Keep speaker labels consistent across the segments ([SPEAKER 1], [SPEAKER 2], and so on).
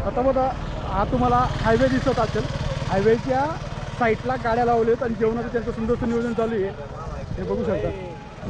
[SPEAKER 1] आता बघा हा तुम्हाला हायवे दिसत असेल, हायवेच्या साईडला गाड्या लावल्यात आणि जेवणाचं त्यांचं सुंदरचं नियोजन चालू आहे, हे बघू शकता.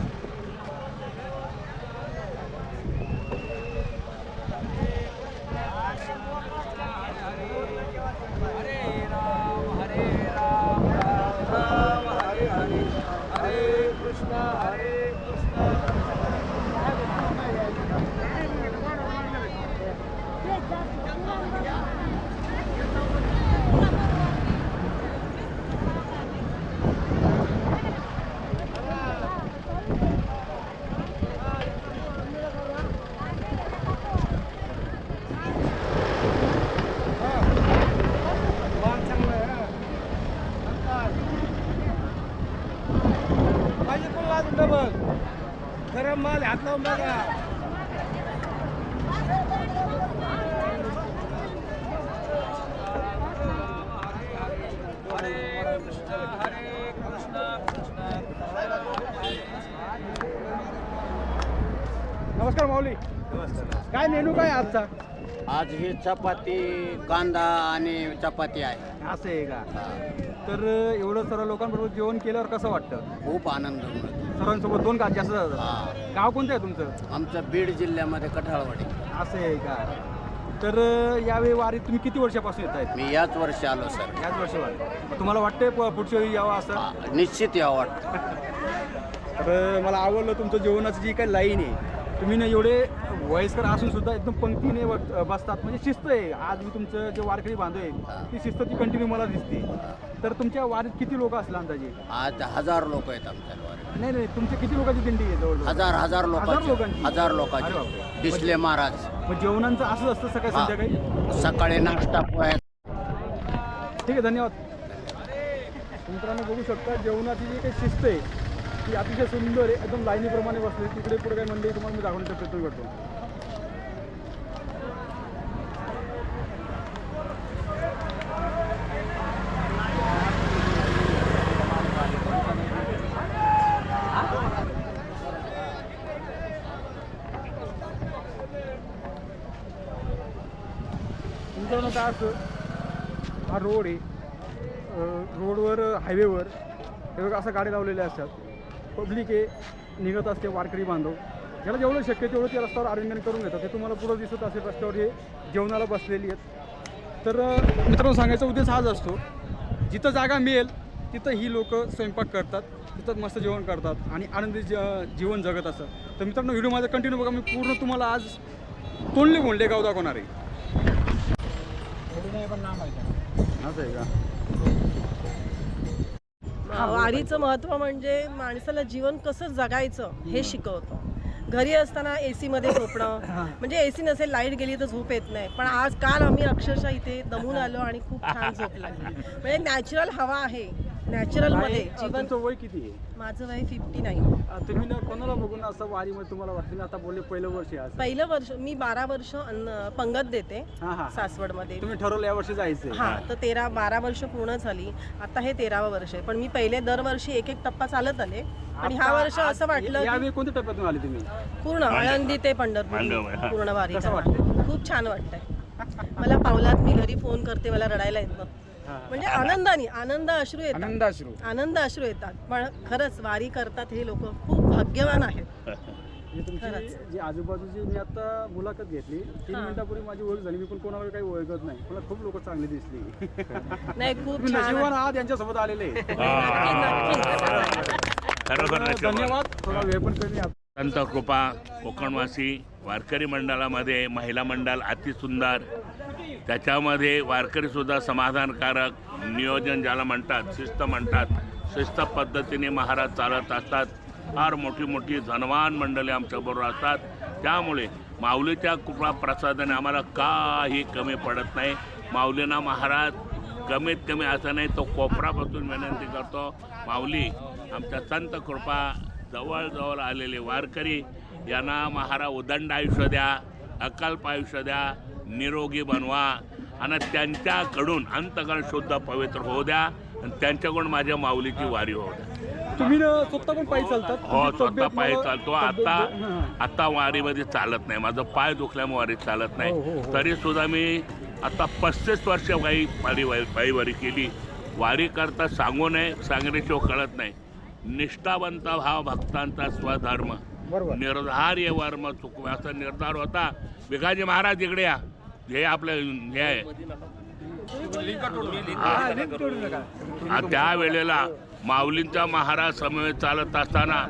[SPEAKER 2] गरम माल हात लावून बघा.
[SPEAKER 1] नमस्कार माऊली, काय मेनू काय आजचा?
[SPEAKER 3] आज ही चपाती, कांदा आणि चपाती आहे.
[SPEAKER 1] असं आहे का? तर एवढं सर्व लोकांबरोबर जेवण केल्यावर कसं वाटतं?
[SPEAKER 3] खूप आनंद मिळतो.
[SPEAKER 1] सर्वांसोबत दोन का जास्त जातात?
[SPEAKER 3] हा.
[SPEAKER 1] गाव कोणतं आहे तुमचं?
[SPEAKER 3] आमचं बीड जिल्ह्यामध्ये कठाळवाडी.
[SPEAKER 1] असं आहे का? तर यावेळी वारीत तुम्ही किती वर्षापासून येत आहेत?
[SPEAKER 3] मी याच वर्षी आलो सर.
[SPEAKER 1] याच वर्षी वारी. तुम्हाला वाटतंय पुढच्या वेळी यावं असं?
[SPEAKER 3] निश्चित यावं वाटतं.
[SPEAKER 1] तर मला आवडलं तुमचं जेवणाची जी काही लाईन आहे, तुम्ही ना एवढे वयस्कर असून सुद्धा एकदम पंक्तीने बसतात, म्हणजे शिस्त आहे. आज मी तुमचं जे वारकरी बांधव आहे ती शिस्त ती कंटिन्यू मला दिसते. तर तुमच्या वारीत किती लोक असला अंदाजे?
[SPEAKER 3] आज 1000 लोक आहेत आमच्या वारीत.
[SPEAKER 1] नाही नाही, तुमच्या किती लोकांची दिंडी आहे? जवळ
[SPEAKER 3] हजार
[SPEAKER 1] लोकांची?
[SPEAKER 3] लोकांची. 1000
[SPEAKER 1] अरे
[SPEAKER 3] लोकांची.
[SPEAKER 1] बापरे.
[SPEAKER 3] दिसले महाराज.
[SPEAKER 1] मग जेवणांचं असंच असतं सकाळी
[SPEAKER 3] हा.
[SPEAKER 1] संध्याकाळी?
[SPEAKER 3] सकाळी नाश्ता पोहे.
[SPEAKER 1] ठीक आहे, धन्यवाद. मित्रांनो बघू शकता जेवणाची जी काही शिस्त आहे ती अतिशय सुंदर आहे, एकदम लाईनीप्रमाणे बसले. तिकडे पुढे काही मंडळी तुम्हाला मी दाखवण्याचा प्रयत्न करतो. मित्रांनो काय असं, हा रोड आहे, रोडवर हायवेवर हे बघा असं गाडी लावलेल्या असतात. पब्लिक आहे, निघत असते, वारकरी बांधव ज्याला जेवढं शक्य तेवढं त्या रस्त्यावर अरेंजमेंट करून घेतात. ते तुम्हाला पुढं दिसत असेल, रस्त्यावर हे जेवणाला बसलेली आहेत. तर मित्रांनो सांगायचा उद्देश हाच असतो, जिथं जागा मिळेल तिथं ही लोक स्वयंपाक करतात, तिथं मस्त जेवण करतात आणि आनंदी जीवन जगत असतात. तर मित्रांनो व्हिडिओ माझा कंटिन्यू बघा, मी पूर्ण तुम्हाला आज तोंडले बोंडले गाव दाखवणार आहे. असं आहे का?
[SPEAKER 4] वारीचं महत्त्व म्हणजे माणसाला जीवन कसं जगायचं हे शिकवतं. घरी असताना AC मध्ये झोपणं, म्हणजे AC नसेल, लाईट गेली तर झोप येत नाही. पण आज काल आम्ही अक्षरशः इथे दमून आलो आणि खूप छान झोप लागली. म्हणजे नॅचरल हवा आहे, नॅचरल मध्ये जीवन.
[SPEAKER 1] तुमचं वय किती आहे?
[SPEAKER 4] माझं वय 59.
[SPEAKER 1] तुम्ही ना कोणाला बघून असं वारीमध्ये तुम्हाला वाटतं? मी आता बोलले पहिलं वर्ष आहे आज.
[SPEAKER 4] पहिलं वर्ष मी 12 वर्ष पंगत देते
[SPEAKER 1] हां.
[SPEAKER 4] सासवड मध्ये.
[SPEAKER 1] तुम्ही ठरवलं या वर्षी जायचं?
[SPEAKER 4] हा, तर 12 वर्ष पूर्ण झाली. आता हे 13वं वर्ष आहे. पण मी पहिले दरवर्षी एक टप्पा चालत आले आणि ह्या वर्ष असं वाटलं
[SPEAKER 1] यावेळी कोणत्या टप्प्यातून आले तुम्ही?
[SPEAKER 4] पूर्ण आळंदी ते पंढरपूर पूर्ण वारी.
[SPEAKER 1] कसं वाटतं?
[SPEAKER 4] खूप छान वाटतंय मला. पावलात मी घरी फोन करते, मला रडायला येतं. म्हणजे आनंद अश्रू येतात, आनंद अश्रू येतात. पण खरंच वारी करतात हे लोक खूप भाग्यवान आहेत.
[SPEAKER 1] जी आजूबाजूची मी आता मुलाखत घेतली 3 मिनिटापूर्वी माझी ओळख झाली. मी पण कोणावर काही ओळखत नाही, मला खूप लोक चांगली दिसली.
[SPEAKER 4] नाही, खूप छान
[SPEAKER 1] आहात, यांच्यासोबत आलेले. धन्यवाद. थोडा वेळ पण कमी.
[SPEAKER 5] संत कृपा कोकणवासी वारकरी मंडळामध्ये महिला मंडळ अतिसुंदर, त्याच्यामध्ये वारकरीसुद्धा समाधानकारक नियोजन ज्याला म्हणतात, शिस्त म्हणतात, शिस्त पद्धतीने महाराज चालत असतात. फार मोठी मोठी धनवान मंडळी आमच्याबरोबर असतात. त्यामुळे माऊलीच्या कृपा प्रसादाने आम्हाला काही कमी पडत नाही. माऊलींना महाराज कमीत कमी असं नाही तो कोपरापासून विनंती करतो, माऊली आमच्या संत कृपा जवळजवळ आलेले वारकरी यांना महाराज उदंड आयुष्य द्या, अकल्प आयुष्य द्या, निरोगी बनवा आणि त्यांच्याकडून अंतकरण शुद्ध पवित्र होऊ द्या आणि त्यांच्याकडून माझ्या माऊलीची वारी होऊ द्या.
[SPEAKER 1] तुम्ही ना स्वतः पण पायी चालतात?
[SPEAKER 5] हो,
[SPEAKER 1] तुमची
[SPEAKER 5] स्वतः
[SPEAKER 1] तब्येत
[SPEAKER 5] पायी
[SPEAKER 1] मला-
[SPEAKER 5] चालतो.
[SPEAKER 1] तब्येत-
[SPEAKER 5] आता
[SPEAKER 1] हां.
[SPEAKER 5] आता वारीमध्ये चालत नाही, माझं पाय दुखल्यामुळे वारीत चालत
[SPEAKER 1] हो,
[SPEAKER 5] नाही.
[SPEAKER 1] हो.
[SPEAKER 5] तरी सुद्धा मी आता 35 वर्ष पायी वारी केली. वारी करता सांगू नये, सांगण्याशिवाय कळत नाही. निष्ठावंत भाव भक्तांचा स्वधर्म,
[SPEAKER 1] बरोबर.
[SPEAKER 5] निर्धार्य वर्म चुकवे असा निर्धार होता. भिकाजी महाराज इकडे या, हे आपलं हे आहे.
[SPEAKER 1] हां, लिंक तोडू नका.
[SPEAKER 5] त्या वेळेला माऊलींचा महाराज समवेत चालत असताना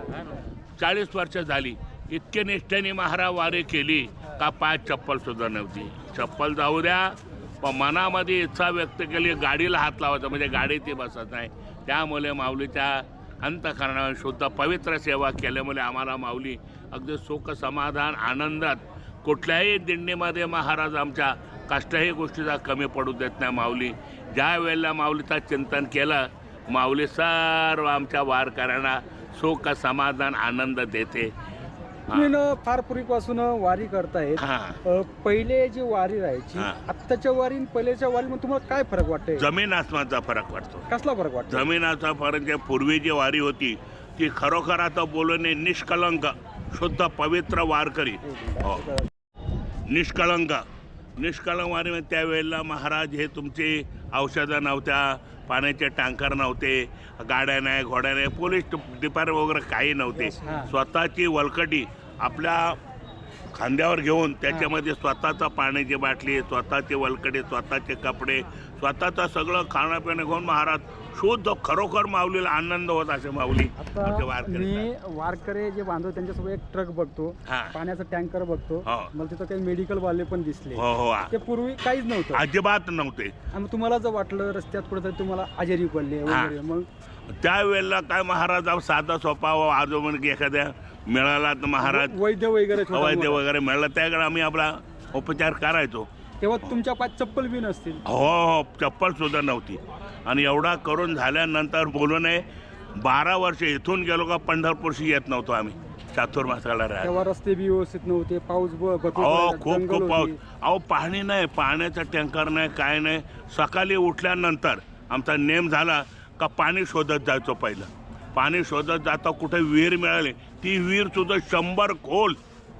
[SPEAKER 5] 40 वर्ष झाली. इतके निष्ठेने महाराज वारी केली का पाय चप्पल सुद्धा नव्हती. चप्पल जाऊ द्या, पण मनामध्ये इच्छा व्यक्त केली गाडीला हात लावायचा, म्हणजे गाडी ती बसत नाही. त्यामुळे माऊलीच्या अंतःकरणावर शुद्ध पवित्र सेवा केल्यामुळे आम्हाला माऊली अगदी सुख समाधान आनंदात, कुठल्याही दिंडीमध्ये महाराज आमच्या कष्टही गोष्टीचा कमी पडू देत नाही. माऊली ज्या वेळेला माऊलीचं चिंतन केलं, माऊली सर्व आमच्या वारकऱ्यांना सुख समाधान आनंद देते.
[SPEAKER 1] तुम्ही ना फार पूर्वीपासून वारी करतायत.
[SPEAKER 5] हां,
[SPEAKER 1] पहिले जी वारी राहायची,
[SPEAKER 5] हां.
[SPEAKER 1] आत्ताच्या वारी आणि पहिल्याच्या वारीमध्ये तुम्हाला काय फरक वाटतंय?
[SPEAKER 5] जमीन आसमानचा फरक वाटतो.
[SPEAKER 1] कसला फरक वाटतो?
[SPEAKER 5] जमीनाचा फरक आहे. पूर्वी जी वारी होती ती खरोखर आता बोलणे निष्कलंक शुद्ध पवित्र वारकरी. हो, निष्कलंक वारीमध्ये त्यावेळेला महाराज हे तुमची औषधं नव्हत्या, पाण्याचे टँकर नव्हते, गाड्या नाही, घोड्या नाही, पोलीस डिपार्टमेंट वगैरे काही नव्हते.
[SPEAKER 1] हां.
[SPEAKER 5] स्वतःची वलकटी आपल्या खांद्यावर घेऊन त्याच्यामध्ये स्वतःचा पाण्याची बाटली, स्वतःची वलकडी, स्वतःचे कपडे, स्वतःचं सगळं खाणंपिणं घेऊन महाराज शुद्ध खरोखर माऊलीला आनंद होत असे माऊली आमच्या
[SPEAKER 1] आता
[SPEAKER 5] वारकरी.
[SPEAKER 1] मी वारकरी जे बांधव त्यांच्यासोबत एक ट्रक बघतो,
[SPEAKER 5] हां.
[SPEAKER 1] पाण्याचा टँकर बघतो,
[SPEAKER 5] हो.
[SPEAKER 1] मला तिथं काही मेडिकल वाले पण दिसले.
[SPEAKER 5] हो हो,
[SPEAKER 1] ते पूर्वी काहीच नव्हतं.
[SPEAKER 5] अजिबात नव्हते.
[SPEAKER 1] आणि तुम्हाला जर वाटलं रस्त्यात कुठेतरी तुम्हाला आजारी पडले वगैरे, मग
[SPEAKER 5] त्यावेळेला काय महाराज साधा सोपा आजोबा एखाद्या मिळाला तर महाराज
[SPEAKER 1] वैद्य वगैरे छोटा
[SPEAKER 5] वैद्य
[SPEAKER 1] मोठा.
[SPEAKER 5] वगैरे मिळाला त्याकडे आम्ही आपला उपचार करायचो.
[SPEAKER 1] तेव्हा तुमच्या पायात चप्पल बी नसतील.
[SPEAKER 5] हो हो, चप्पल सुद्धा नव्हती. आणि एवढा करून झाल्यानंतर बोलू नये, 12 वर्ष इथून गेलो का पंढरपूरशी येत नव्हतो आम्ही चातुर्मासाला राहत.
[SPEAKER 1] तेव्हा रस्ते बी व्यवस्थित नव्हते, पाऊस भरपूर
[SPEAKER 5] अहो
[SPEAKER 1] पडायचा,
[SPEAKER 5] खूप
[SPEAKER 1] जंगल
[SPEAKER 5] खूप पाऊस.
[SPEAKER 1] होती.
[SPEAKER 5] अहो पाणी नाही, पाण्याचा टँकर नाही, काय नाही. सकाळी उठल्यानंतर आमचा नेम झाला का पाणी शोधत जायचो. पहिलं पाणी शोधत जाता कुठे विहीर मिळाली, ती विहीर सुद्धा 100 खोल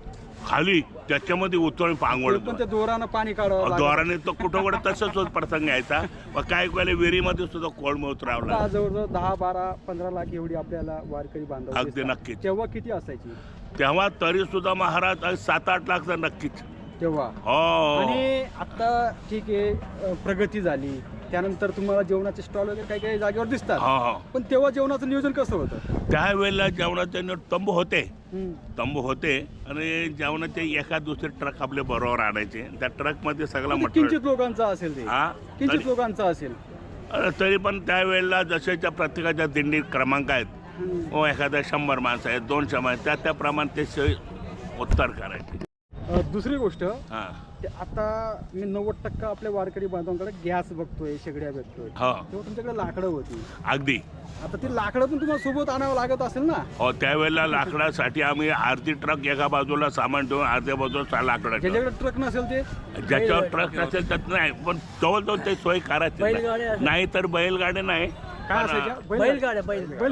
[SPEAKER 5] खाली, त्याच्यामध्ये उतरून पांगवळ.
[SPEAKER 1] ते पण त्या दोरानं पाणी काढावं लागलं.
[SPEAKER 5] द्वाराने तो कुठं कुठं तसंच होत प्रसंग यायचा. मग काय वेळेला विहिरीमध्ये सुद्धा कोळम उतरावला.
[SPEAKER 1] आता जवळजवळ 10, 12, 15 लाख एवढी आपल्याला वारकरी बांधव
[SPEAKER 5] अगदी
[SPEAKER 1] दिसतात.
[SPEAKER 5] नक्कीच.
[SPEAKER 1] तेव्हा किती असायची?
[SPEAKER 5] तेव्हा तरी सुद्धा महाराज 7-8 लाख तर नक्कीच.
[SPEAKER 1] तेव्हा
[SPEAKER 5] हो,
[SPEAKER 1] आणि आता ठीक आहे, प्रगती झाली, त्यानंतर तुम्हाला जेवणाचे स्टॉल वगैरे काही काही जागेवर दिसतात.
[SPEAKER 5] हो हो.
[SPEAKER 1] पण तेव्हा जेवणाचं नियोजन कसं होतं?
[SPEAKER 5] त्यावेळेला जेवणाचे तंबू होते.
[SPEAKER 1] हम्म.
[SPEAKER 5] तंबू होते आणि जेवणाचे एका दुसरे ट्रक आपले बरोबर आणायचे. त्या ट्रकमध्ये सगळं
[SPEAKER 1] म्हणजे
[SPEAKER 5] मटेरियल.
[SPEAKER 1] किंचित लोकांचा असेल ते,
[SPEAKER 5] हा,
[SPEAKER 1] किंचित लोकांचा असेल.
[SPEAKER 5] तरी पण त्यावेळेला जशाच्या प्रत्येकाच्या दिंडी क्रमांक आहेत.
[SPEAKER 1] हम्म.
[SPEAKER 5] एखाद्या 100 माणसं आहेत, 200 माणसं, त्याप्रमाणे ते सोय उत्तर करायचे.
[SPEAKER 1] दुसरी गोष्ट,
[SPEAKER 5] हां,
[SPEAKER 1] ते आता मी 90% आपल्या वारकरी बांधवांकडे गॅस बघतोय, शेगड्या बघतोय.
[SPEAKER 5] हो,
[SPEAKER 1] तेव्हा तुमच्याकडे लाकडं होती.
[SPEAKER 5] अगदी.
[SPEAKER 1] आता ती लाकडं पण तुम्हाला सोबत आणावं लागत असेल ना?
[SPEAKER 5] हो, त्यावेळेला लाकडासाठी आम्ही अर्धी ट्रक एका बाजूला सामान ठेवून अर्ध्या बाजूला लाकडं ठेवून.
[SPEAKER 1] ज्याच्याकडे ट्रक नसेल ते
[SPEAKER 5] ज्याच्यावर ट्रक नसेल त्यात नाही, पण जवळजवळ ते सोय करायची नाही तर बैलगाडी नाही.
[SPEAKER 1] काय असायच्या? बैलगाड्या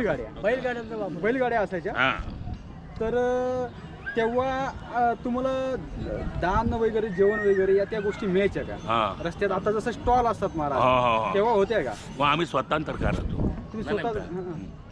[SPEAKER 1] बैलगाड्या असायच्या.
[SPEAKER 5] हां,
[SPEAKER 1] तर तेव्हा तुम्हाला दान वगैरे, जेवण वगैरे या त्या गोष्टी मिळायच्या का
[SPEAKER 5] हां.
[SPEAKER 1] रस्त्यात? आता जसं स्टॉल असतात
[SPEAKER 5] हो
[SPEAKER 1] महाराज,
[SPEAKER 5] हो हो.
[SPEAKER 1] तेव्हा होत्या का?
[SPEAKER 5] मग आम्ही स्वतंत्र करायचो.
[SPEAKER 1] तुम्ही
[SPEAKER 5] नाही,
[SPEAKER 1] स्वतः
[SPEAKER 5] नाही.
[SPEAKER 1] हां, हां.